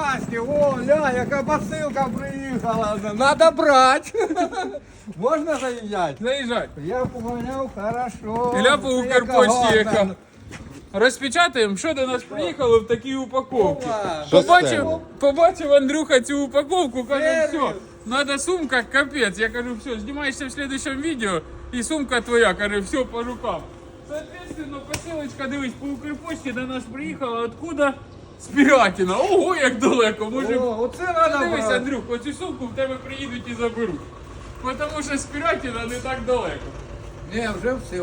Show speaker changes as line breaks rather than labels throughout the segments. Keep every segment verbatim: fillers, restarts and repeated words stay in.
Васьки, о, ля, яка посилка приїхала. Надо брати. Можна заїжджати?
Заїжджай.
Я поганяв, хорошо.
Ілля по
Яка
Укрпочті
гарна.
яка. Розпечатаємо, що до нас приїхало в такій упаковці.
Опа.
Що
Побачив,
це?
побачив Андрюха цю упаковку, каже,
Сервіс.
все, надо сумка, капець. Я кажу, все, знімаєшся в следующем відео, і сумка твоя, каже, все по рукам. Соответственно, посилочка, дивись, по Укрпочті до нас приїхала, откуда? З Пірятіна. Ого, як далеко, може...
О, оце надо
Дивись,
брати.
Андрюх, оцю сумку в тебе приїдуть і заберуть. Тому що з Пірятіна не так далеко.
Ні, вже все.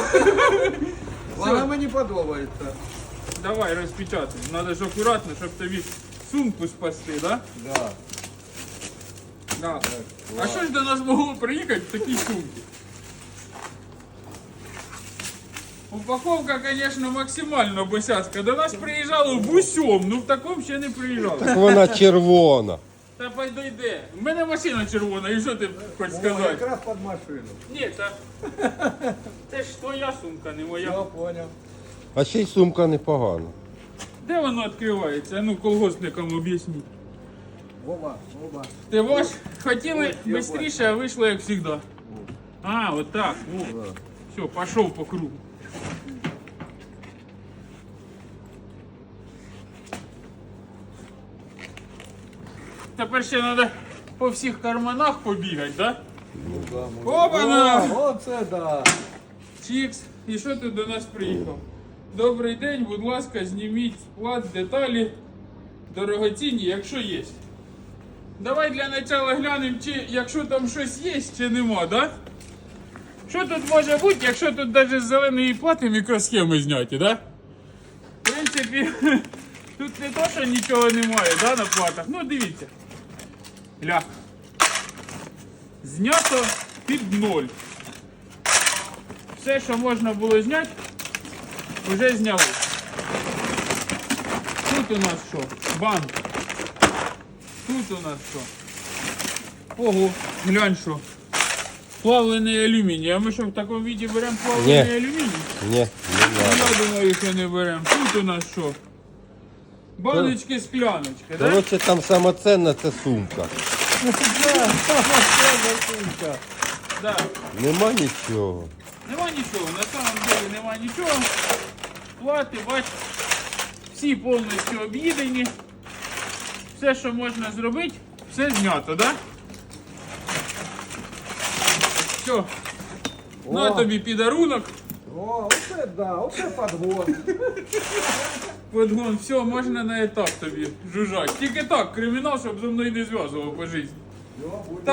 Вона мені подобається.
Давай розпечатай. Надо ж акуратно, щоб тобі сумку спасти, да?
Да.
Да. А що ж до нас могло приїхати в такій сумці? Упаковка, звісно, максимально босяцька. До нас приїжджало в усьому, ну в такому ще не приїжджало.
Так вона червона.
Та підійде. У мене машина червона, і що ти хочеш
О,
сказати?
якраз під машину.
Ні, та... Це ж твоя сумка, не моя.
Я понял.
А ще й сумка непогана.
Де воно відкривається? Ну, колгоспникам об'ясніть.
Оба, оба.
Ти ваш хотіли
я
швидше, а вийшло як завжди. А, от так. Все, пішов по кругу. Тепер ще треба по всіх карманах побігати, так?
Ну, да, може.
Опа-на!
О, оце да.
Чікс. І що ти до нас приїхав? Добрий день, будь ласка, зніміть склад, деталі, дорогоцінні, якщо є. Давай для начала глянемо, чи якщо там щось є, чи нема, да? Що тут може бути, якщо тут навіть з зеленої плати мікросхеми зняті, да? В принципі, тут не то, що нічого немає, да, на платах. Ну, дивіться. Ля. Знято під ноль. Все, що можна було зняти, вже зняли. Тут у нас що? Банк. Тут у нас що? Ого, глянь що. Плавлений алюміній. А ми що в такому віді беремо плавлений
Ні.
алюміній?
Ні, не
Ну,
треба.
я думаю, що не беремо. Тут у нас що? Баночки, скляночки, так? Да?
Коротше, там сама ценна це сумка.
Да.
Нема нічого.
Нема нічого, на самом деле нема нічого. Плати, бач, всі повністю об'їдені. Все, що можна зробити, все знято, так? Да? Все. На
О.
тобі підарунок.
О, оце да, оце подгон.
Подгон, все, можна на етап тобі жужжать. Тільки так, кримінал, щоб зі мною не зв'язував по житті.
Йо, буде.